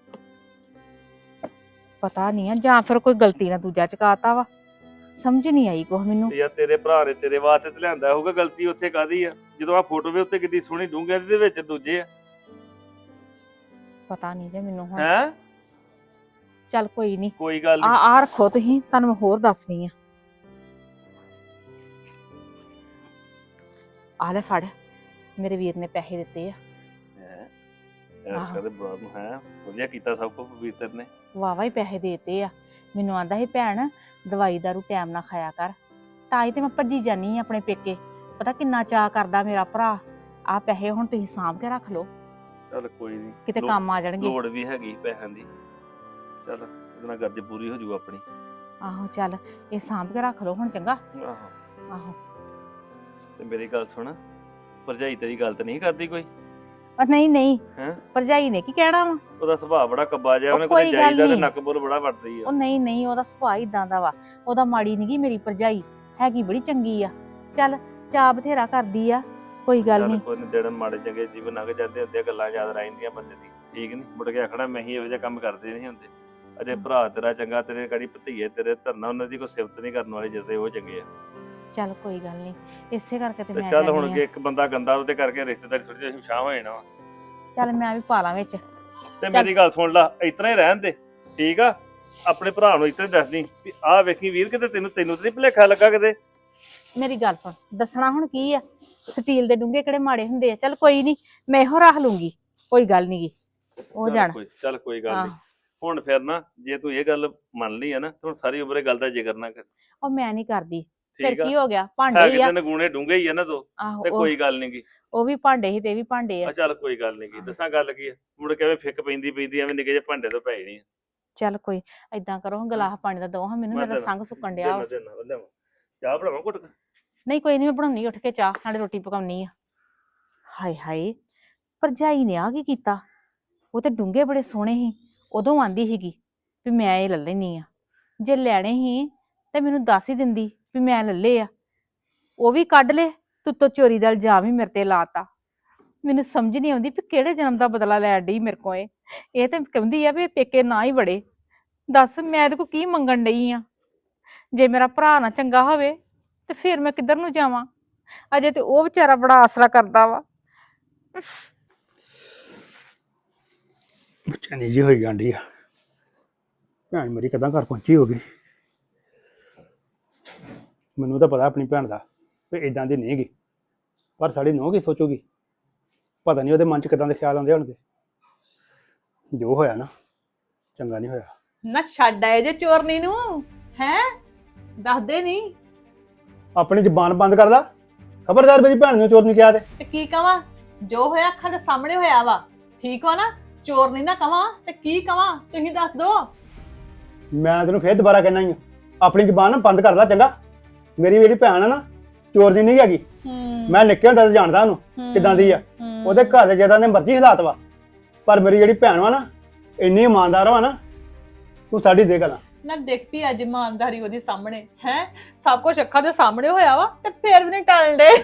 E: ਪਤਾ ਨਹੀਂ ਆ, ਜਾਂ ਫਿਰ ਕੋਈ ਗਲਤੀ ਨਾਲ ਦੂਜਾ ਚਕਾਤਾ ਵਾ। ਸਮਝ ਨਹੀਂ ਆਈ ਕੁਛ ਮੈਨੂੰ।
F: ਯਾਰ ਤੇਰੇ ਭਰਾ ਨੇ ਤੇਰੇ ਵਾਸਤੇ ਤੇ ਲਿਆਂਦਾ ਹੋਊਗਾ, ਗਲਤੀ ਉੱਥੇ ਕਾਦੀ ਆ? ਜਦੋਂ ਆ ਫੋਟੋ ਵੀ ਉੱਤੇ ਕਿੱਡੀ ਸੋਹਣੀ ਡੂੰਘਿਆਂ ਦੇ ਵਿੱਚ ਦੂਜੇ ਆ।
E: ਪਤਾ ਨਹੀਂ ਜੇ ਮੈਨੂੰ ਹੁਣ।
F: ਹੈਂ?
E: ਚੱਲ ਕੋਈ ਨਹੀਂ,
F: ਕੋਈ ਗੱਲ
E: ਆ
F: ਨਹੀਂ।
E: ਆ ਰੱਖੋ ਤੁਸੀਂ, ਤੁਹਾਨੂੰ ਮੈਂ ਹੋਰ ਦੱਸਣੀ ਆ। ਆ ਲੈ ਫੜ, ਮੇਰੇ ਵੀਰ ਨੇ ਪੈਸੇ ਦਿੱਤੇ ਆ।
F: ਯਾਰ ਕਦੇ ਬੜਾ ਨੂੰ ਹੈ ਵਧੀਆ ਕੀਤਾ ਸਭ ਕੁਝ ਪਵਿੱਤਰ ਨੇ।
E: ਵਾਵਾ ਹੀ ਪੈਸੇ ਦੇਤੇ ਆ। ਮੈਨੂੰ ਆਂਦਾ ਸੀ ਭੈਣ ਦਵਾਈ ਦਾਰੂ ਟਾਈਮ ਨਾਲ ਖਾਇਆ ਕਰ, ਤਾਂ ਹੀ ਤੇ ਮੈਂ ਭੱਜੀ ਜਾਨੀ ਆ ਆਪਣੇ ਪੇਕੇ। ਪਤਾ ਕਿੰਨਾ ਚਾਅ ਕਰਦਾ ਮੇਰਾ ਭਰਾ। ਆ ਪੈਸੇ ਹੁਣ ਤੁਸੀਂ ਸਾਂਭ ਕੇ ਰੱਖ ਲਓ,
F: ਚੱਲ ਕੋਈ ਨਹੀਂ,
E: ਕਿਤੇ ਕੰਮ ਆ ਜਾਣਗੇ।
F: ਲੋੜ ਵੀ ਹੈਗੀ ਪੈਸਿਆਂ ਦੀ। ਚੱਲ ਇਹਦੇ ਨਾਲ ਗਰਜ ਪੂਰੀ ਹੋ ਜੂ ਆਪਣੀ।
E: ਆਹੋ ਚੱਲ, ਇਹ ਸਾਂਭ ਕੇ ਰੱਖ ਲਓ ਹੁਣ, ਚੰਗਾ।
F: ਆਹੋ।
E: ਆਹੋ,
F: ਤੇ ਮੇਰੀ ਗੱਲ ਸੁਣ, ਭਰਜਾਈ ਤੇਰੀ ਗੱਲ ਤਾਂ ਨਹੀਂ ਕਰਦੀ ਕੋਈ?
E: ਨਹੀਂ ਨਹੀਂ
F: ਹੈਂ?
E: ਭਰਜਾਈ ਨੇ ਕੀ ਕਹਿਣਾ ਵਾ?
F: ਉਹਦਾ ਸੁਭਾਅ ਬੜਾ ਕੱਬਾ ਜਿਹਾ,
E: ਉਹ
F: ਉਹਨੇ
E: ਕੋਈ
F: ਕੋਈ
E: ਗੱਲ
F: ਜਾਈਦਾ ਤੇ
E: ਨਹੀਂ।
F: ਨੱਕ ਬੁੱਲ ਬੜਾ ਵੱਟਦੀ ਆ।
E: ਉਹ ਨਹੀਂ ਨਹੀਂ, ਉਹਦਾ ਸੁਭਾਅ ਇਦਾਂ ਦਾ ਵਾ। ਉਹਦਾ ਮਾੜੀ ਨੀ ਗੀ ਮੇਰੀ ਭਰਜਾਈ, ਹੈਗੀ ਬੜੀ ਚੰਗੀ ਆ। ਚੱਲ ਚਾਅ ਬਥੇਰਾ ਕਰਦੀ ਆ, ਕੋਈ ਗੱਲ
F: ਚੱਲ
E: ਨਹੀਂ।
F: ਕੋਈ ਨੀ, ਦਿਨ ਮਾੜੇ ਚੰਗੇ ਜੀਵਨ ਲੰਘ ਜਾਂਦੇ ਹੁੰਦੇ ਆ, ਗੱਲਾਂ ਯਾਦ ਰਹਿੰਦੀਆਂ ਬੰਦੇ ਦੀ, ਠੀਕ ਨੀ? ਮੁੜ ਕੇ ਆਖਣਾ ਮੈਂ ਹੀ ਇਹੋ ਜਿਹਾ ਕੰਮ ਕਰਦੇ ਨਹੀਂ ਹੁੰਦੇ। ਅਜੇ ਭਰਾ ਤੇਰਾ ਚੰਗਾ, ਤੇਰੇ ਕੜੀ ਭਤੀਏ ਤੇਰੇ ਧਰਨਾ, ਉਹਨਾਂ ਦੀ ਕੋਈ ਸਿਫਤ ਨਹੀਂ ਕਰਨ ਵਾਲੇ ਜਿੱਦੇ ਉਹ ਚੰਗੇ ਆ।
E: ਚੱਲ ਕੋਈ ਗੱਲ ਨਹੀਂ, ਇਸੇ ਕਰਕੇ ਤੇ
F: ਤੇ
E: ਮੈਂ
F: ਚੱਲ ਹੁਣ
E: ਕਹਿੰਦੀ
F: ਜੇ
E: ਆ।
F: ਇੱਕ ਬੰਦਾ ਗੰਦਾ ਉਹਦੇ ਕਰਕੇ ਰਿਸ਼ਤੇਦਾਰੀ ਥੋੜੀ ਜਿਹੀ ਸ਼ਾਹ ਹੋ ਜਾਣਾ ਵਾ।
E: ਚੱਲ ਮੈਂ ਵੀ ਪਾ ਲਾਂ ਵਿੱਚ।
F: ਤੇ ਮੇਰੀ ਗੱਲ ਸੁਣ ਲਾ, ਇਤਨਾ ਹੀ ਰਹਿਣ ਦੇ, ਠੀਕ ਆ? ਆਪਣੇ ਭਰਾ ਨੂੰ ਇਤਨਾ ਹੀ ਦੱਸਦੀ ਵੀ ਆਹ ਵੇਖੀ ਵੀਰ, ਕਿਤੇ ਤੈਨੂੰ ਤੇ ਨਹੀਂ ਭੁਲੇਖਾ ਲੱਗਾ ਕਿਤੇ।
E: ਮੇਰੀ ਗੱਲ ਸੁਣ, ਦੱਸਣਾ ਹੁਣ ਕੀ ਆ? ਸਟੀਲ ਦੇ ਡੂੰਘੇ ਕਿਹੜੇ ਮਾੜੇ ਹੁੰਦੇ ਆ? ਚੱਲ ਕੋਈ ਨਹੀਂ, ਮੈਂ ਇਹੋ ਰੱਖ ਲੂੰਗੀ, ਕੋਈ ਗੱਲ ਨੀ ਗੀ। ਉਹ ਜਾਣ।
F: ਚੱਲ ਕੋਈ ਗੱਲ
E: ਹਾਂ।
F: ਨਹੀਂ। ਹੁਣ ਫਿਰ ਨਾ, ਜੇ ਤੂੰ ਇਹ ਗੱਲ ਮੰਨ ਲਈ ਆ ਨਾ, ਤੇ ਹੁਣ ਸਾਰੀ ਉਮਰ ਇਹ ਗੱਲ ਦਾ ਜ਼ਿਕਰ ਨਾ ਕਰ,
E: ਉਹ ਮੈਂ ਨਹੀਂ ਕਰਦੀ। ਫਿਰ
F: ਠੀਕ ਆ?
E: ਕੀ ਹੋ ਗਿਆ?
F: ਹੈ
E: ਭਾਂਡੇ ਹੀ ਆ।
F: ਕਿਤੇ ਨਗੂਣੇ ਡੂੰਘੇ ਹੀ ਆ ਨਾ ਦੋ,
E: ਆਹੋ
F: ਤੇ ਕੋਈ ਗੱਲ ਨੀ ਗੀ।
E: ਉਹ ਵੀ ਭਾਂਡੇ ਹੀ ਤੇ ਇਹ ਵੀ ਭਾਂਡੇ ਆ।
F: ਆ ਚੱਲ ਕੋਈ ਗੱਲ ਨੀ ਗੀ। ਦੱਸਾਂ ਗੱਲ ਕੀ ਆ, ਮੁੜ ਕੇ ਐਵੇਂ ਫਿੱਕ ਪੈਂਦੀ ਐਵੇਂ ਨਿੱਕੇ ਜਿਹੇ ਭਾਂਡੇ ਤੋਂ ਪੈ ਜਾਣੀ ਆ।
E: ਚੱਲ ਕੋਈ ਏਦਾਂ ਕਰੋ, ਗਲਾਸ ਪਾਣੀ ਦਾ ਦੋ ਹਾਂ ਮੈਨੂੰ,
F: ਮੈਂ
E: ਮੇਰਾ
F: ਦੇਣਾ।
E: ਸੰਗ ਸੁੱਕਣ ਡਿਆ ਵਾ।
F: ਲਿਆਵਾਂ ਚਾਹ ਬਣਾਵਾਂ ਘੁੱਟ ਕੇ?
E: ਨਹੀਂ ਕੋਈ ਨਹੀਂ, ਮੈਂ ਬਣਾਉਣੀ ਉੱਠ ਕੇ ਚਾਹ, ਨਾਲੇ ਰੋਟੀ ਪਕਾਉਣੀ ਆ। ਹਾਏ ਹਾਏ, ਭਰਜਾਈ ਨੇ ਆ ਕੀ ਕੀਤਾ? ਉਹ ਤੇ ਡੂੰਘੇ ਬੜੇ ਸੋਹਣੇ ਸੀ, ਉਦੋਂ ਆਂਦੀ ਸੀਗੀ ਵੀ ਮੈਂ ਇਹ ਲੈ ਲੈਣੀ ਆ। ਜੇ ਲੈਣੇ ਸੀ ਤੇ ਮੈਨੂੰ ਦੱਸ ਹੀ ਦਿੰਦੀ ਵੀ ਮੈਂ ਲੱਲੇ ਆ। ਉਹ ਵੀ ਕੱਢ ਲੈ, ਤੂੰ ਚੋਰੀ ਦਾ ਇਲਜ਼ਾਮ ਹੀ ਮੇਰੇ ਤੇ ਲਾਤਾ। ਮੈਨੂੰ ਸਮਝ ਨਹੀਂ ਆਉਂਦੀ ਵੀ ਕਿਹੜੇ ਜਨਮ ਦਾ ਬਦਲਾ ਲੈਣ ਡਈ ਮੇਰੇ ਕੋਲ ਇਹ ਤੇ ਕਹਿੰਦੀ ਆ ਵੀ ਪੇਕੇ ਨਾ ਹੀ ਵੜੇ। ਦੱਸ ਮੈਂ ਇਹਦੇ ਕੋਲ ਕੀ ਮੰਗਣ ਡਈ ਆ? ਜੇ ਮੇਰਾ ਭਰਾ ਨਾ ਚੰਗਾ ਹੋਵੇ ਤੇ ਫਿਰ ਮੈਂ ਕਿੱਧਰ ਨੂੰ ਜਾਵਾਂ? ਅਜੇ ਤੇ ਉਹ ਵਿਚਾਰਾ ਬੜਾ ਆਸਰਾ ਕਰਦਾ ਵਾ।
A: ਚੰਨੀ ਜੀ ਹੋਈ ਜਾਂਦੀ ਆ, ਭੈਣ ਮੇਰੀ ਕਦਾਂ ਘਰ ਪਹੁੰਚੀ ਹੋਗੀ। ਮੈਨੂੰ ਤਾਂ ਪਤਾ ਆਪਣੀ ਭੈਣ ਦਾ ਵੀ ਇਦਾਂ ਦੀ ਨਹੀਂ ਗੀ, ਪਰ ਸਾਡੀ ਨੂੰਹ ਕੀ ਸੋਚੂਗੀ ਪਤਾ ਨਹੀਂ, ਉਹਦੇ ਮਨ 'ਚ ਕਿਦਾਂ ਦੇ ਖਿਆਲ ਆਉਂਦੇ ਹੋਣਗੇ। ਜੋ ਹੋਇਆ ਨਾ, ਚੰਗਾ ਨਹੀਂ ਹੋਇਆ।
C: ਨਾ ਛੱਡ ਆਏ ਜੇ ਚੋਰਨੀ ਨੂੰ, ਹੈ ਦੱਸਦੇ ਨਹੀਂ
A: ਆਪਣੀ ਜ਼ਬਾਨ ਬੰਦ ਕਰ ਲਾ, ਖਬਰਦਾਰ ਮੇਰੀ ਭੈਣ ਨੂੰ ਚੋਰ ਨਹੀਂ ਕਿਹਾ
C: ਤੇ ਕੀ ਕਵਾਂ? ਜੋ ਹੋਇਆ ਅੱਖਾਂ ਦੇ ਸਾਹਮਣੇ ਹੋਇਆ ਵਾ, ਠੀਕ ਹੋ ਨਾ? ਚੋਰ ਨਹੀਂ ਨਾ ਕਵਾਂ ਤੇ ਕੀ ਕਵਾਂ, ਤੁਸੀਂ ਦੱਸ ਦੋ।
A: ਮੈਂ ਤੈਨੂੰ ਫੇਰ ਦੁਬਾਰਾ ਕਹਿਣਾ ਹੀ ਆ, ਆਪਣੀ ਜ਼ਬਾਨ ਨਾ ਬੰਦ ਕਰ ਲੈ ਚੰਗਾ। ਮੇਰੀ ਭੈਣ ਆ ਨਾ, ਚੋਰ ਦੀ ਨਹੀਂ ਹੈਗੀ। ਮੈਂ ਨਿੱਕੇ ਹੁੰਦਾ ਤਾਂ ਜਾਣਦਾ ਉਹਨੂੰ ਕਿਦਾਂ ਦੀ ਆ। ਉਹਦੇ ਘਰ ਦੇ ਜਿੱਦਾਂ ਦੇ ਮਰਜ਼ੀ ਹਾਲਾਤ ਵਾ, ਪਰ ਮੇਰੀ ਜਿਹੜੀ ਭੈਣ ਵਾ ਨਾ, ਇੰਨੀ ਇਮਾਨਦਾਰ ਵਾ ਨਾ, ਤੂੰ ਸਾਡੀ ਦੇ ਗੱਲਾਂ
C: ਨਾ ਦੇਖਤੀ ਅੱਜ ਇਮਾਨਦਾਰੀ ਉਹਦੀ ਸਾਹਮਣੇ ਹੈ, ਸਭ ਕੁਝ ਅੱਖਾਂ ਦੇ ਸਾਹਮਣੇ ਹੋਇਆ ਵਾ ਤੇ ਫੇਰ ਵੀ ਨਹੀਂ ਟਲਣ ਦੇ।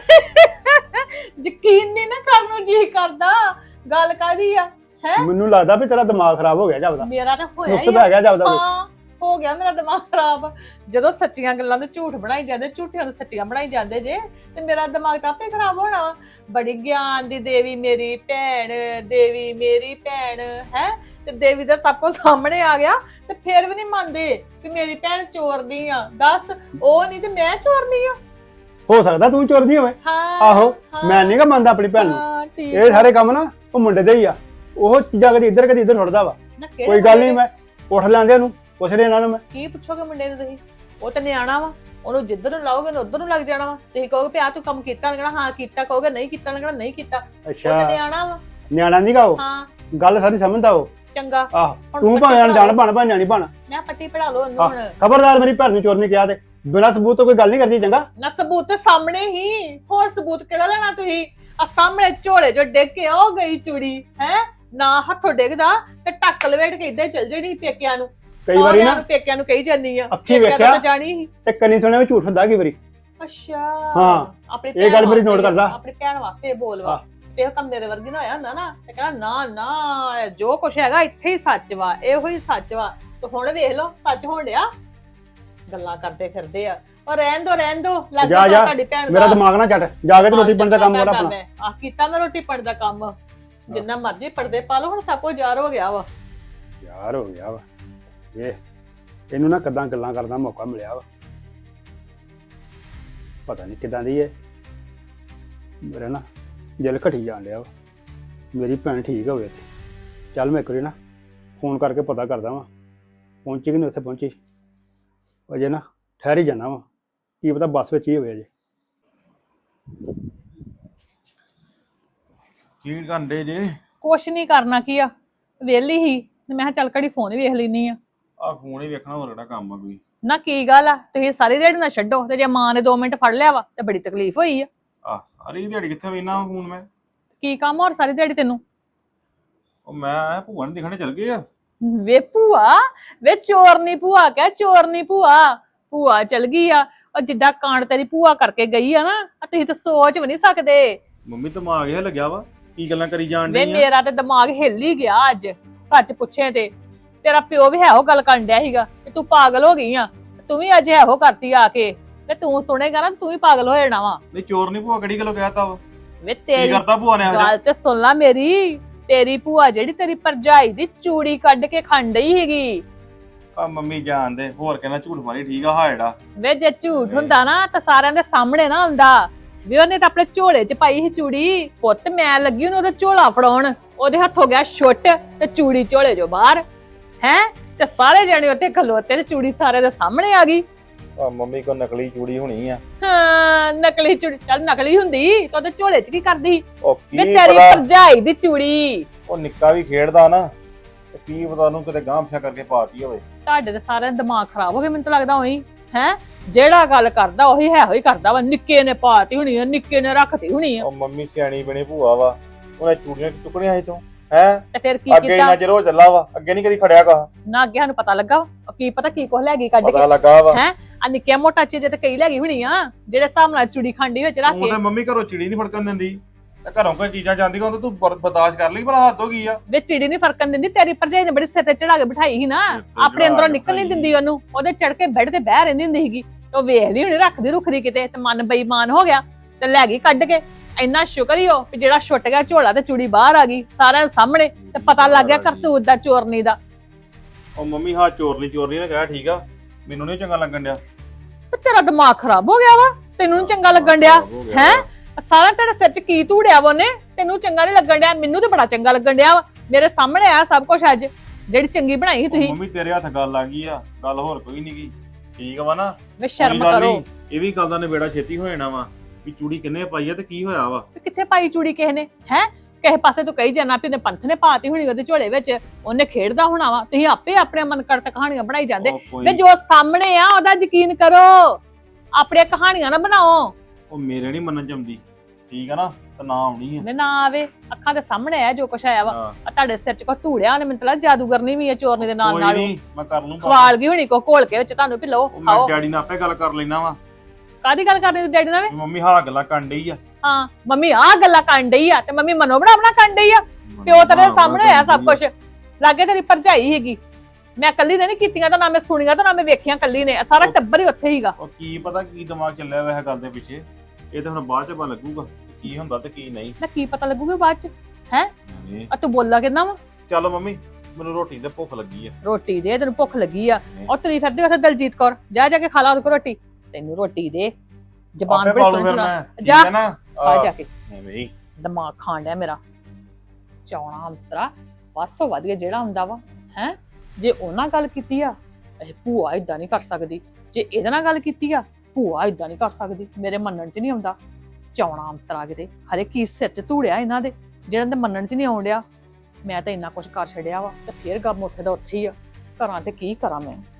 C: ਯਕੀਨ ਨਹੀਂ ਨਾ ਕਰਨ ਨੂੰ ਜੀ ਕਰਦਾ, ਗੱਲ ਕਾਦੀ ਆ? ਹੈ
A: ਮੈਨੂੰ ਲੱਗਦਾ ਵੀ ਤੇਰਾ ਦਿਮਾਗ ਖਰਾਬ ਹੋ ਗਿਆ ਜਾਪਦਾ,
C: ਮੇਰਾ ਤਾਂ ਹੋਇਆ
A: ਨੁਕਸ
C: ਹੀ
A: ਪੈ ਗਿਆ ਜਾਪਦਾ।
C: ਹਾਂ ਹੋ ਗਿਆ ਮੇਰਾ ਦਿਮਾਗ ਖਰਾਬ। ਜਦੋਂ ਸੱਚੀਆਂ ਗੱਲਾਂ ਦੇ ਝੂਠ ਬਣਾਈ ਜਾਂਦੇ, ਝੂਠਿਆਂ ਨੂੰ ਸੱਚੀਆਂ ਬਣਾਈ ਜਾਂਦੇ ਜੇ, ਤੇ ਮੇਰਾ ਦਿਮਾਗ ਤਾਂ ਆਪੇ ਖਰਾਬ ਹੋਣਾ ਵਾ। ਬੜੀ ਗਿਆਨ ਦੀ ਦੇਵੀ ਮੇਰੀ ਭੈਣ, ਦੇਵੀ ਮੇਰੀ ਭੈਣ ਹੈ, ਤੇ ਦੇਵੀ ਦਾ ਸਭ ਕੁਝ ਸਾਹਮਣੇ ਆ ਗਿਆ ਤੇ ਫੇਰ ਵੀ ਨਹੀਂ ਮੰਨਦੇ ਕਿ ਮੇਰੀ ਭੈਣ ਚੋਰ ਨਹੀਂ ਆ। ਦੱਸ, ਉਹ ਨਹੀਂ ਤੇ ਮੈਂ ਚੋਰ ਨਹੀਂ ਆ?
A: ਹੋ ਸਕਦਾ ਤੂੰ ਚੋਰ ਨਹੀਂ ਹੋਵੇ।
C: ਹਾਂ
A: ਆਹੋ, ਮੈਂ ਨਹੀਂ ਗਾ ਮੰਨਦਾ ਆਪਣੀ ਭੈਣ ਨੂੰ।
C: ਹਾਂ, ਠੀਕ
A: ਇਹ ਸਾਰੇ ਕੰਮ ਨਾ ਉਹ ਮੁੰਡੇ ਦੇ ਹੀ ਆ, ਉਹ ਚੀਜ਼ਾਂ ਕਦੀ ਇੱਧਰ ਛੁੱਟਦਾ ਵਾ।
C: ਨਾ ਕਿਹੜੇ
A: ਕੋਈ ਗੱਲ ਨਹੀਂ,
C: ਮੁੰਡੇ?
A: ਮੈਂ ਉੱਠ ਲੈਂਦੇ ਉਹਨੂੰ, ਪੁੱਛ ਰਿਹਾ ਇਹਨਾਂ ਨੂੰ ਮੈਂ।
C: ਕੀ ਪੁੱਛੋਗੇ ਮੁੰਡੇ ਨੂੰ ਤੁਸੀਂ? ਉਹ ਤਾਂ ਨਿਆਣਾ ਵਾ, ਉਹਨੂੰ ਜਿੱਧਰ ਨੂੰ ਲਾਓਗੇ ਉਧਰ ਨੂੰ ਲੱਗ ਜਾਣਾ ਵਾ। ਤੁਸੀਂ ਕਹੋਗੇ ਵੀ ਆ ਤੂੰ ਕੰਮ ਕੀਤਾ, ਲੱਗਣਾ ਹਾਂ ਕੀਤਾ, ਕਹੋਗੇ ਨਹੀਂ ਕੀਤਾ, ਲੱਗਣਾ ਨਹੀਂ ਕੀਤਾ। ਉਹ
A: ਅੱਛਾ,
C: ਤਾਂ ਨਿਆਣਾ ਵਾ।
A: ਨਿਆਣਾ ਨਹੀਂ ਗਾ ਉਹ,
C: ਹਾਂ
A: ਗੱਲ ਸਾਰੀ ਸਮਝਦਾ ਉਹ।
C: ਚੰਗਾ,
A: ਆਹ
C: ਹੁਣ
A: ਤੂੰ
C: ਪੱਟੀ
A: ਭਾਵੇਂ
C: ਪੜ੍ਹਾ
A: ਜਾਣ
C: ਲਓ।
A: ਬਣ ਭਾਵੇਂ ਨਿਆਣੀ ਬਣ।
C: ਮੈਂ ਪੱਟੀ ਪੜਾ ਲਓ ਉਹਨੂੰ ਹੁਣ।
A: ਖਬਰਦਾਰ ਮੇਰੀ ਭੈਣ ਨੂੰ ਚੋਰ ਨਹੀਂ ਕਿਹਾ ਤੇ ਬਿਨਾਂ ਸਬੂਤ ਤੋਂ ਕੋਈ ਗੱਲ ਨਹੀਂ ਕਰਦੀ ਚੰਗਾ।
C: ਨਾ ਸਬੂਤ ਤੇ ਸਾਹਮਣੇ ਹੀ, ਹੋਰ ਸਬੂਤ ਕਿਹੜਾ ਲੈਣਾ ਤੁਸੀਂ? ਆ ਸਾਹਮਣੇ ਝੋਲੇ ਜੋ ਡਿੱਗ ਕੇ ਉਹ ਗਈ ਚੂੜੀ ਹੈ, ਨਾ ਹੱਥੋਂ ਡਿੱਗਦਾ ਤੇ ਟੱਕ ਲਵੇਟ ਕੇ ਇਦਾਂ ਚੱਲ ਜਣੀ ਪੇਕਿਆਂ ਨੂੰ।
A: ਕਈ ਵਾਰੀ
C: ਸਹੁਰਿਆਂ
A: ਨਾ
C: ਨੂੰ ਪੇਕਿਆਂ ਨੂੰ ਕਹੀ ਜਾਂਦੀ ਆ,
A: ਅੱਖੀਂ
C: ਪੇਕਿਆਂ ਤੋਂ
A: ਵੇਖਿਆ
C: ਤਾਂ ਜਾਣੀ ਸੀ।
A: ਤੇ ਕੰਨੀ ਸੁਣਿਆ ਵੀ ਝੂਠ ਹੁੰਦਾ ਕਈ ਵਾਰੀ।
C: ਅੱਛਾ
A: ਹਾਂ,
C: ਆਪਣੀ
A: ਇਹ ਗੱਲ
C: ਭੈਣ
A: ਮੇਰੀ ਨੋਟ
C: ਵਾਸਤੇ-
A: ਕਰਦਾ।
C: ਆਪਣੀ ਭੈਣ ਵਾਸਤੇ ਬੋਲਵਾ।
A: ਹਾਂ।
C: ਤੇ ਇਹ ਕੰਮ ਮੇਰੇ ਵਰਗੀ ਨਾ ਹੋਇਆ ਹੁੰਦਾ ਨਾ ਤੇ ਕਹਿਣਾ ਨਾ ਨਾ ਜੋ ਕੁਛ ਹੈਗਾ ਇੱਥੇ ਹੀ ਸੱਚ ਵਾ, ਇਹੋ ਹੀ ਸੱਚ ਵਾ। ਤੇ ਹੁਣ ਵੇਖ ਲਓ ਸੱਚ ਹੋਣ ਡਿਆ, ਗੱਲਾਂ ਕਰਦੇ ਫਿਰਦੇ ਆ। ਔਰ ਰਹਿਣ ਦੋ ਲੱਗ
A: ਜਾ
C: ਗਿਆ ਤੁਹਾਡੀ ਭੈਣ ਦਾ।
A: ਮੇਰਾ ਦਿਮਾਗ ਨਾ ਛੱਡ, ਜਾ ਕੇ ਤੇ ਰੋਟੀ ਪਾਣੀ ਦਾ ਕੰਮ ਕਰ ਆਪਣਾ।
C: ਆ ਕੀਤਾ ਮੈਂ ਰੋਟੀ ਪਾਣੀ ਦਾ ਕੰਮ, ਜਿੰਨਾ ਮਰਜ਼ੀ ਪਰਦੇ ਪਾ ਲਓ, ਹੁਣ ਸਭ ਕੁਝ ਜ਼ਾਰ ਹੋ ਗਿਆ ਵਾ।
A: ਯਾਰ ਹੋ ਗਿਆ ਵਾ ਇਹ, ਇਹਨੂੰ ਨਾ ਕਦਾਂ ਗੱਲਾਂ ਕਰਨ ਦਾ ਮੌਕਾ ਮਿਲਿਆ ਵਾ, ਪਤਾ ਨਹੀਂ ਕਿਦਾਂ ਦੀ ਹੈ। ਮੇਰਾ ਨਾ ਦਿਲ ਘਟੀ ਜਾਣ ਡਿਆ ਵਾ, ਮੇਰੀ ਭੈਣ ਠੀਕ ਹੋਵੇ ਇੱਥੇ। ਚੱਲ ਮੈਂ ਇੱਕ ਵਾਰੀ ਨਾ ਫੋਨ ਕਰਕੇ ਪਤਾ ਕਰਦਾ ਵਾਂ, ਪਹੁੰਚੀ ਕਿ ਨਹੀਂ ਉੱਥੇ ਪਹੁੰਚੀ। ਅਜੇ ਨਾ ਠਹਿਰ ਹੀ ਜਾਣਾ ਵਾ, ਕੀ ਪਤਾ ਬੱਸ ਵਿੱਚ ਹੀ ਹੋਵੇ ਅਜੇ।
G: ਕੀ ਕਰਦੇ ਜੇ?
C: ਕੁਛ ਨਹੀਂ ਕਰਨਾ ਕੀ ਆ, ਵਿਹਲੀ ਹੀ ਤੇ ਮੈਂ ਕਿਹਾ ਚੱਲ ਘੜੀ ਫੋਨ ਵੇਖ ਲੈਣੀ ਆ।
G: ਆ ਫੋਨ ਹੀ ਵੇਖਣਾ, ਹੋਰ ਕਿਹੜਾ ਕੰਮ ਆ ਕੋਈ?
C: ਨਾ ਕੀ ਗੱਲ ਆ, ਤੁਸੀਂ ਸਾਰੀ ਦਿਹਾੜੀ ਨਾ ਛੱਡੋ ਤੇ ਜੇ ਮਾਂ ਨੇ 2 ਮਿੰਟ ਫੜ ਲਿਆ ਵਾ ਤੇ ਬੜੀ ਤਕਲੀਫ ਹੋਈ ਆ।
G: ਆ ਸਾਰੀ ਦਿਹਾੜੀ ਕਿੱਥੇ ਵੇਖਣਾ ਫੋਨ ਮੈਂ?
C: ਕੀ ਕੰਮ ਹੋਰ ਸਾਰੀ ਦਿਹਾੜੀ ਤੈਨੂੰ?
G: ਉਹ ਮੈਂ ਭੂਆ ਨੂੰ ਦਿਖਣੇ ਚੱਲ ਗਏ ਆ।
C: ਵੇ ਭੂਆ, ਵੇ ਚੋਰ ਨੀ ਭੂਆ ਕਹਿ, ਚੋਰ ਨੀ ਭੂਆ। ਭੂਆ ਚਲ ਗਈ ਆ। ਉਹ ਜਿੱਡਾ ਕਾਂਡ ਤੇਰੀ ਭੂਆ ਕਰਕੇ ਗਈ ਆ ਨਾ, ਤੁਸੀਂ ਤਾਂ ਸੋਚ ਵੀ ਨਹੀਂ ਸਕਦੇ।
G: ਮੰਮੀ ਦਿਮਾਗ ਇਹ ਲੱਗਿਆ ਵਾ, ਕੀ ਗੱਲਾਂ ਕਰੀ ਜਾਣ
C: ਵੇ
G: ਡਈ ਆ।
C: ਮੇਰਾ ਤੇ ਦਿਮਾਗ ਹਿੱਲ ਹੀ ਗਿਆ ਅੱਜ, ਸੱਚ ਪੁੱਛੇ ਤੇ। ਤੇਰਾ ਪਿਓ ਵੀ ਇਹੋ ਗੱਲ ਕਰਨ ਡਿਆ ਸੀਗਾ ਕਿ ਤੂੰ ਪਾਗਲ ਹੋ ਗਈ ਆ, ਤੂੰ ਵੀ ਅੱਜ ਇਹੋ ਕਰਤੀ ਆ ਕੇ। ਤੇ ਤੂੰ ਸੁਣੇਗਾ ਨਾ, ਤੂੰ ਵੀ ਪਾਗਲ ਹੋ ਜਾਣਾ ਵਾ।
G: ਨਹੀਂ ਚੋਰ ਨਹੀਂ ਭੂਆ ਕਿਹੜੀ ਗੱਲੋਂ ਕਹਿਤਾ ਵਾ?
C: ਵੇ
G: ਕੀ
C: ਤੇਰੀ
G: ਕਰਤਾ ਭੂਆ ਨੇ
C: ਗੱਲ ਤੇ ਸੁਣ ਲਾ ਮੇਰੀ। ਤੇਰੀ ਭੂਆ ਜਿਹੜੀ ਤੇਰੀ ਭਰਜਾਈ ਦੀ ਚੂੜੀ ਕੱਢ ਕੇ ਖਾਣ ਡਈ ਸੀਗੀ।
G: ਆ ਮੰਮੀ ਜਾਣਦੇ ਹੋਰ ਕਹਿੰਦਾ ਝੂਠ ਮਾਰੀ, ਠੀਕ ਆ ਹਾਇੜਾ।
C: ਵੇ ਜੇ ਝੂਠ ਹੁੰਦਾ ਨਾ ਤਾਂ ਸਾਰਿਆਂ ਦੇ ਸਾਹਮਣੇ ਨਾ ਹੁੰਦਾ। ਵੀ ਉਹਨੇ ਤਾਂ ਆਪਣੇ ਝੋਲੇ 'ਚ ਪਾਈ ਸੀ ਚੂੜੀ। ਪੁੱਤ ਮੈਂ ਲੱਗੀ ਉਹਨੂੰ ਉਹਦਾ ਝੋਲਾ ਫੜਾਉਣ, ਉਹਦੇ ਹੱਥ ਹੋ ਗਿਆ ਛੁੱਟ ਤੇ ਚੂੜੀ ਝੋਲੇ 'ਚੋਂ ਬਾਹਰ। ਹੈ ਤੇ ਸਾਰੇ ਜਣੇ ਉੱਥੇ ਖਲੋਤੇ ਤੇ ਚੂੜੀ ਸਾਰੇ ਦੇ ਸਾਹਮਣੇ ਆ ਗਈ।
G: ਆ ਮੰਮੀ ਕੋ ਨਕਲੀ ਚੂੜੀ ਹੋਣੀ ਆ।
C: ਹਾਂ ਨਕਲੀ ਚੂੜੀ, ਚੱਲ ਨਕਲੀ ਹੁੰਦੀ ਤਾਂ ਉਹਦੇ ਝੋਲੇ 'ਚ ਕੀ ਕਰਦੀ?
G: ਉਹ
C: ਵੇ
G: ਕੀ
C: ਤੇਰੀ
G: ਪਤਾ,
C: ਭਰਜਾਈ ਦੀ ਚੂੜੀ।
G: ਉਹ ਨਿੱਕਾ ਵੀ ਖੇਡਦਾ ਨਾ, ਤੇ ਕੀ ਪਤਾ ਉਹਨੂੰ ਕਿਤੇ ਗਾਂਹ ਪਿਛਾ ਕਰਕੇ ਪਾਤੀ ਹੋਵੇ।
C: ਤੁਹਾਡੇ ਤੇ ਸਾਰਿਆਂ ਦਾ ਦਿਮਾਗ ਖਰਾਬ ਹੋ ਗਿਆ ਮੈਨੂੰ ਤਾਂ ਲੱਗਦਾ ਉਹੀ। ਹੈ ਜਿਹੜਾ ਗੱਲ ਕਰਦਾ ਉਹੀ ਹੈ ਹੋਈ ਕਰਦਾ ਵਾ। ਨਿੱਕੇ ਨੇ ਪਾਤੀ ਹੋਣੀ ਆ, ਨਿੱਕੇ ਨੇ ਰੱਖਤੀ ਹੋਣੀ ਆ।
G: ਉਹ ਮੰਮੀ ਸਿਆਣੀ ਬਣੀ ਭੂਆ ਵਾ, ਉਹਨੇ ਚੂੜੀਆਂ ਟੁਕੜੀਆਂ ਸੀ ਤੋਂ ਹੈ।
C: ਤੇ ਫਿਰ ਕੀ
G: ਅੱਗੇ
C: ਕੀਤਾ?
G: ਇੰਨਾ ਚਿਰ ਹੋ ਚੱਲਾ ਵਾ, ਅੱਗੇ ਨਹੀਂ ਕਦੀ ਖੜਿਆ ਕਾ।
C: ਨਾ ਅੱਗੇ ਸਾਨੂੰ ਪਤਾ ਲੱਗਾ ਵਾ। ਕੀ ਪਤਾ ਕੀ ਕੁਛ ਲੈ ਗਈ ਕੱਢ
G: ਪਤਾ
C: ਕੇ।
G: ਲੱਗਾ ਵਾ।
C: ਹੈ ਆ ਨਿੱਕਿਆ ਮੋਟਾ ਚੀਜ਼ ਤੇ ਕਈ ਲੈ ਗਈ ਹੋਣੀ ਆ, ਜਿਹੜੇ ਹਿਸਾਬ ਨਾਲ ਚੂੜੀ ਖਾਂਡੀ ਵਿੱਚ ਰੱਖ
G: ਤੂੰ
C: ਕੇ।
G: ਤੇ ਮੰਮੀ ਘਰੋਂ ਚਿੜੀ ਨਹੀਂ ਫੜਕਣ ਦਿੰਦੀ, ਤੇ ਘਰੋਂ ਕੋਈ ਚੀਜ਼ਾਂ ਜਾਂਦੀਆਂ ਉਹ ਤੂੰ ਬਰਦਾਸ਼ਤ ਕਰ ਲਈ, ਭਲਾ ਹੱਦ ਹੋ ਗਈ ਆ।
C: ਵੇ ਚਿੜੀ ਨਹੀਂ ਫਰਕਣ ਦਿੰਦੀ। ਤੇਰੀ ਭਰਜਾਈ ਨੇ ਬੜੀ ਸਿਰ ਤੇ ਚੜਾ ਕੇ ਬਿਠਾਈ ਸੀ ਨਾ, ਆਪਣੇ ਅੰਦਰੋਂ ਨਿਕਲ ਨਹੀਂ ਦਿੰਦੀ ਉਹਨੂੰ। ਉਹਦੇ ਚੜ ਕੇ ਬੈੱਡ ਤੇ ਬਹਿ ਰਹਿੰਦੀ ਹੁੰਦੀ ਸੀਗੀ। ਤੇ ਉਹ ਵੇਖਦੀ ਹੁਣੀ ਰੱਖਦੀ ਰੁਖਦੀ ਕਿਤੇ, ਤੇ ਮਨ ਬੇਈਮਾਨ ਹੋ ਗਿਆ ਤੇ ਲੈ ਗਈ ਕੱਢ ਕੇ। ਇੰਨਾ ਸ਼ੁਕਰ ਹੀ ਹੋ ਵੀ ਜਿਹੜਾ ਛੁੱਟ ਗਿਆ ਝੋਲਾ ਤੇ ਚੂੜੀ ਬਾਹਰ ਆ ਗਈ ਸਾਰਿਆਂ ਦੇ ਸਾਹਮਣੇ, ਤੇ ਪਤਾ ਲੱਗ ਗਿਆ ਕਰਤੂਤ ਦਾ, ਚੋਰਨੀ ਦਾ।
G: ਉਹ ਮੰਮੀ ਹਾਂ ਚੋਰਨੀ ਨੇ ਕਿਹਾ, ਠੀਕ ਆ, ਮੈਨੂੰ ਨਹੀਂ ਚੰਗਾ ਲੱਗਣ ਡਿਆ।
C: ਤੇ ਤੇਰਾ ਦਿਮਾਗ ਖਰਾਬ ਹੋ ਗਿਆ ਵਾ, ਤੈਨੂੰ ਨੀ ਚੰਗਾ ਲੱਗਣ ਡਿਆ? ਹੈ ਸਾਰਾ ਤੇਰੇ ਸਿਰ 'ਚ ਕੀ ਧੂੜਿਆ ਵਾ ਉਹਨੇ? ਤੈਨੂੰ ਚੰਗਾ ਨਹੀਂ ਲੱਗਣ ਡਿਆ? ਮੈਨੂੰ ਤੇ ਬੜਾ ਚੰਗਾ ਲੱਗਣ ਡਿਆ ਵਾ। ਮੇਰੇ ਸਾਹਮਣੇ ਆ ਸਭ ਕੁਝ ਅੱਜ, ਜਿਹੜੀ ਚੰਗੀ ਬਣਾਈ ਸੀ ਤੁਸੀਂ।
G: ਮੰਮੀ ਤੇਰੇ ਹੱਥ ਗੱਲ ਆ ਗਈ ਆ, ਗੱਲ ਹੋਰ ਕੋਈ ਨਹੀਂ ਗਈ, ਠੀਕ ਵਾ ਨਾ?
C: ਵੇ ਸ਼ਰਮ
G: ਕੋਈ ਗੱਲ
C: ਕਰੋ।
G: ਨੀ, ਇਹ ਵੀ ਗੱਲ ਦਾ ਨਿਬੇੜਾ ਛੇਤੀ ਹੋ ਜਾਣਾ ਵਾ ਵੀ ਚੂੜੀ ਕਿੰਨੇ ਪਾਈ ਆ ਤੇ ਕੀ ਹੋਇਆ ਵਾ।
C: ਤੇ ਕਿੱਥੇ ਪਾਈ ਚੂੜੀ ਕਿਸੇ ਨੇ? ਹੈ ਕਿਸੇ ਪਾਸੇ ਤੂੰ ਕਹੀ ਜਾਣਾ ਵੀ ਉਹਨੇ ਪੰਥ ਨੇ ਪਾਤੀ ਹੋਣੀ ਉਹਦੇ ਝੋਲੇ ਵਿੱਚ, ਉਹਨੇ ਖੇਡਦਾ ਹੋਣਾ ਵਾ। ਤੁਸੀਂ ਆਪੇ ਆਪਣੇ ਮਨ ਕਰਤ ਕਹਾਣੀਆਂ ਬਣਾਈ ਜਾਂਦੇ।
G: ਉਹ ਕੋਈ-
C: ਵੇ ਜੋ ਸਾਹਮਣੇ ਆ ਉਹਦਾ ਯਕੀਨ ਕਰੋ, ਆਪਣੀਆਂ ਕਹਾਣੀਆਂ ਨਾ ਬਣਾਓ।
G: ਉਹ ਮੇਰੇ ਨਹੀਂ ਮੰਨਣ ਚ ਆਉਂਦੀ, ਠੀਕ ਆ ਨਾ? ਤੇ ਨਾ ਆਉਣੀ ਆ।
C: ਮੈਂ ਨਾ ਆਵੇ, ਅੱਖਾਂ ਦੇ ਸਾਹਮਣੇ ਆ ਜੋ ਕੁਛ ਆਇਆ ਵਾ।
G: ਹਾਂ,
C: ਆ ਤੁਹਾਡੇ ਸਿਰ 'ਚ ਕੋ ਧੂੜਿਆ ਉਹਨੇ, ਮੈਨੂੰ ਤਾਂ ਲੱਗਦਾ ਜਾਦੂਗਰਨੀ ਵੀ ਹੈ ਚੋਰਨੀ ਦੇ ਨਾਲ
G: ਕੋਈ
C: ਨਾਲ।
G: ਨੀ, ਮੈਂ ਕਰ ਲੂੰ
C: ਖਵਾਲ ਗਈ ਹੋਣੀ ਕੋ ਘੋਲ ਕੇ ਵਿੱਚ ਤੁਹਾਨੂੰ, ਵੀ ਲਓ
G: ਉਹ ਮੈਂ
C: ਖਾਓ।
G: ਡੈਡੀ ਨਾਲ ਆਪੇ ਗੱਲ ਕਰ ਲੈਣਾ ਵਾ।
C: ਕਾਦੀ ਗੱਲ ਕਰਨੀ ਤੂੰ ਡੈਡੀ ਨਾਲ?
G: ਵੀ ਮੰਮੀ ਹਾਂ ਗੱਲਾਂ ਕਰਨ ਡਈ ਆ।
C: ਹਾਂ ਮੰਮੀ ਆਹ ਗੱਲਾਂ ਕਰਨ ਡਈ ਆ, ਤੇ ਮੰਮੀ ਮਨੋ ਬਣਾ ਕਰਨ ਡਈ ਆ। ਪਿਓ ਤੇਰੇ ਸਾਹਮਣੇ ਹੋਇਆ ਸਭ ਕੁਝ, ਲਾਗੇ ਤੇਰੀ ਭਰਜਾਈ ਹੈਗੀ। ਮੈਂ ਕੱਲੀ ਨੇ ਨਹੀਂ ਕੀਤੀਆਂ, ਤਾਂ ਨਾ ਮੈਂ ਸੁਣੀਆਂ, ਤਾਂ ਨਾ ਮੈਂ ਵੇਖੀਆਂ, ਕੱਲੀ ਨੇ। ਸਾਰਾ ਟੱਬਰ ਹੀ ਉੱਥੇ ਹੀਗਾ।
G: ਉਹ ਕੀ ਪਤਾ ਕੀ ਦਿਮਾਗ ਚੱਲਿਆ ਵਾ ਇਹ ਗੱਲ ਦੇ ਪਿੱਛੇ, ਇਹ ਤਾਂ ਹੁਣ ਬਾਅਦ ਚ ਪਤਾ ਲੱਗੂਗਾ ਕੀ ਹੁੰਦਾ ਤੇ ਕੀ ਨਹੀਂ।
C: ਨਾ ਕੀ ਪਤਾ ਲੱਗੂਗਾ ਬਾਅਦ ਚ? ਹੈ
G: ਨਹੀਂ,
C: ਆ ਤੂੰ ਬੋਲਾ ਕਿੰਨਾ ਵਾ?
G: ਚੱਲ ਮੰਮੀ ਮੈਨੂੰ ਰੋਟੀ ਤੇ ਭੁੱਖ ਲੱਗੀ ਆ।
C: ਰੋਟੀ ਦੇ, ਤੈਨੂੰ ਭੁੱਖ ਲੱਗੀ ਆ। ਔਰ ਤੁਰੀ ਫਿਰਦੀ ਉੱਥੇ ਦਲਜੀਤ ਕੌਰ, ਜਾ ਜਾ ਕੇ ਖਾ ਲਾ ਉਹਦੇ ਕੋਲ ਰੋਟੀ। ਤੈਨੂੰ ਰੋਟੀ ਦੇ, ਜ਼ਬਾਨ
G: ਆਪੇ
C: ਬੜੀ
G: ਪਾਲੂ
C: ਸੋਹਣੀ
G: ਫਿਰ
C: ਚਲਾ।
G: ਮੈਂ, ਠੀਕ
C: ਜਾ
G: ਹੈ ਨਾ?
C: ਆ ਜਾ ਕੇ
G: ਨਹੀਂ
C: ਦਿਮਾਗ ਖਾਣ ਡਿਆ ਮੇਰਾ। ਚੌਣਾ ਅੰਤਰਾ ਬਸ ਵਧੀਆ ਜਿਹੜਾ ਹੁੰਦਾ ਵਾ। ਹੈ ਜੇ ਉਹਨਾਂ ਗੱਲ ਕੀਤੀ ਆ, ਇਹ ਭੂਆ ਇਦਾਂ ਨਹੀਂ ਕਰ ਸਕਦੀ। ਜੇ ਇਹਦੇ ਨਾਲ ਗੱਲ ਕੀਤੀ ਆ, ਭੂਆ ਇਦਾਂ ਨਹੀਂ ਕਰ ਸਕਦੀ। ਮੇਰੇ ਮੰਨਣ 'ਚ ਨਹੀਂ ਆਉਂਦਾ। ਚੌਣਾ ਅੰਤਰਾ ਕਿਤੇ ਹਰੇ ਕੀ ਸਿਰ 'ਚ ਧੂੜਿਆ ਇਹਨਾਂ ਦੇ, ਜਿਹਨਾਂ ਦੇ ਮੰਨਣ 'ਚ ਨਹੀਂ ਆਉਣ ਡਿਆ। ਮੈਂ ਤਾਂ ਇੰਨਾ ਕੁਛ ਕਰ ਛੱਡਿਆ ਵਾ, ਤੇ ਫੇਰ ਗੱਮ ਉੱਥੇ ਦਾ ਉੱਥੇ ਹੀ ਆ। ਘਰਾਂ ਤੇ ਕੀ ਕਰਾਂ ਮੈਂ?